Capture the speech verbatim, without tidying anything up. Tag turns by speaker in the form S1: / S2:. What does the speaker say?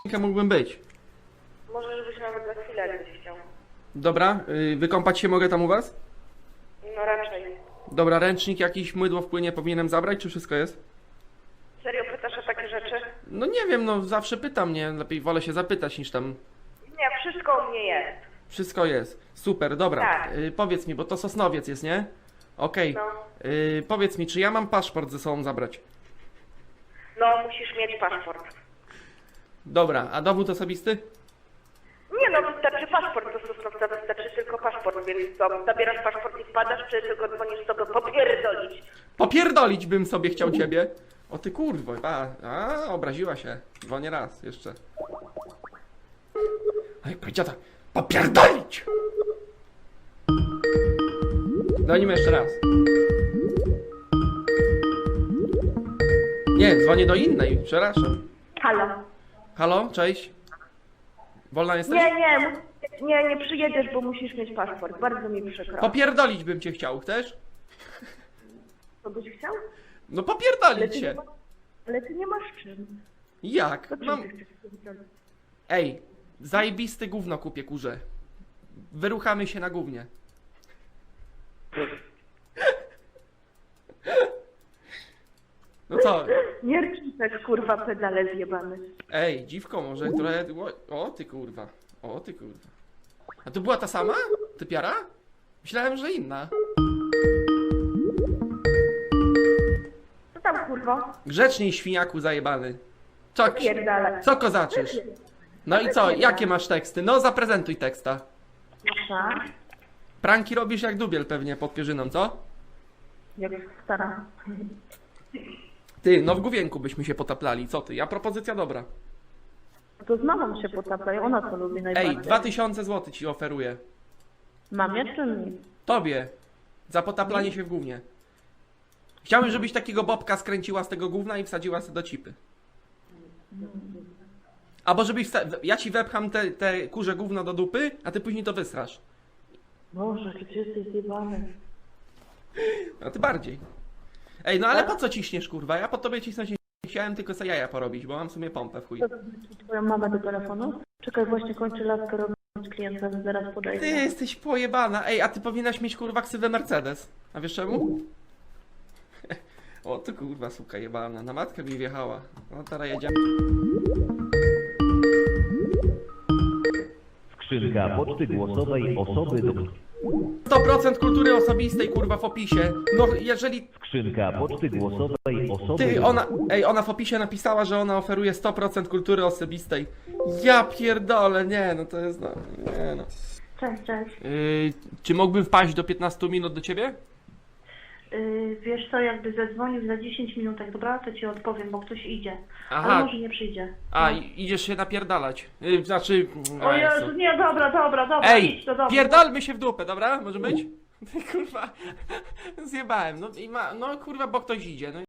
S1: mógłbym być.
S2: Możesz być nawet za chwilę, jakbyś chciał.
S1: Dobra, yy, wykąpać się mogę tam u was?
S2: No raczej.
S1: Dobra, ręcznik jakiś, mydło w płynie powinienem zabrać, czy wszystko jest?
S2: Serio pytasz o takie rzeczy?
S1: No nie wiem, no zawsze pytam, nie? Lepiej wolę się zapytać niż tam...
S2: Nie, wszystko u mnie jest.
S1: Wszystko jest. Super, dobra.
S2: Tak.
S1: Yy, powiedz mi, bo to Sosnowiec jest, nie? Okej.
S2: No.
S1: Yy, powiedz mi, czy ja mam paszport ze sobą zabrać?
S2: No, musisz mieć paszport.
S1: Dobra, a dowód osobisty?
S2: Nie no, wystarczy paszport do Sosnowca, wystarczy tylko paszport, więc co, zabierasz paszport i wpadasz, czy tylko dzwonisz sobie popierdolić?
S1: Popierdolić bym sobie chciał ciebie. O ty kurwo, a, a obraziła się. Dzwonię raz jeszcze. Ej, powiedziała tak, popierdolić! Dzwonimy jeszcze raz. Nie, dzwonię do innej, przepraszam.
S2: Halo?
S1: Halo, cześć. Wolna jesteś?
S2: Nie, nie, nie, nie przyjedziesz, bo musisz mieć paszport, bardzo mi przykro.
S1: Popierdolić bym cię chciał, chcesz?
S2: Co byś chciał?
S1: No
S2: Ale
S1: popierdolić
S2: ty, nie
S1: się.
S2: ma, ale ty nie masz czym.
S1: Jak?
S2: To czym
S1: Mam...
S2: ty chcesz pierdolić?
S1: Ej, zajebisty gówno kupię, kurze. Wyruchamy się na gównie. No co?
S2: Nie rycz tak, kurwa, pedale zjebany.
S1: Ej, dziwko może trochę... O, o ty kurwa. O ty kurwa. A to była ta sama? Typiara? Myślałem, że inna.
S2: Co tam, kurwa?
S1: Grzeczniej, świniaku zajebany. Co,
S2: Pierdalaj.
S1: co kozaczysz? No i co? Jakie masz teksty? No zaprezentuj teksta.
S2: Nasza,
S1: Pranki robisz jak dubiel pewnie pod pierzyną, co?
S2: jak stara.
S1: Ty, no w główienku byśmy się potaplali, co ty? Ja propozycja dobra.
S2: To z mamą się potaplaj, ona to lubi najbardziej.
S1: Ej, dwa tysiące złotych ci oferuję.
S2: Mamie czy mi?
S1: Tobie. Za potaplanie się w gównie. Chciałem, żebyś takiego bobka skręciła z tego gówna i wsadziła sobie do cipy. Albo żebyś... wsta- Ja ci wepcham te, te kurze gówno do dupy, a ty później to wysrasz.
S2: Boże, ty jesteś zjebany.
S1: A ty bardziej. Ej, no ale po co ciśniesz, kurwa? Ja po tobie cisnąć nie chciałem, tylko sobie jaja porobić, bo mam w sumie pompę w chuj.
S2: Co to znaczy twoją mamę do telefonu? Czekaj, właśnie kończę laskę robić klienta, zaraz podejdę.
S1: Ty jesteś pojebana. Ej, a ty powinnaś mieć kurwa ksywę Mercedes. A wiesz czemu? O ty kurwa suka jebana. Na matkę mi wjechała. No teraz jedziemy.
S3: Skrzynka poczty głosowej osoby do...
S1: sto procent kultury osobistej kurwa w opisie. No jeżeli...
S3: Skrzynka poczty głosowej osoby
S1: Ty,
S3: do...
S1: ona... Ej, ona w opisie napisała, że ona oferuje sto procent kultury osobistej. Ja pierdolę, nie no to jest no... Nie no.
S2: Cześć, cześć.
S1: Yy, czy mógłbym wpaść do piętnastu minut do ciebie?
S2: Yy, wiesz co, jakby zadzwonił za dziesięć minutek, dobra? To ci odpowiem, bo ktoś idzie.
S1: Aha.
S2: Ale może nie przyjdzie.
S1: A,
S2: No.
S1: i- idziesz się napierdalać. Yy, znaczy...
S2: O
S1: a,
S2: Jezu, nie, dobra, dobra, dobra,
S1: Ej,
S2: idź do domu.
S1: pierdolmy się w dupę, dobra? Może być? Kurwa, zjebałem. No i ma, no kurwa, bo ktoś idzie. No.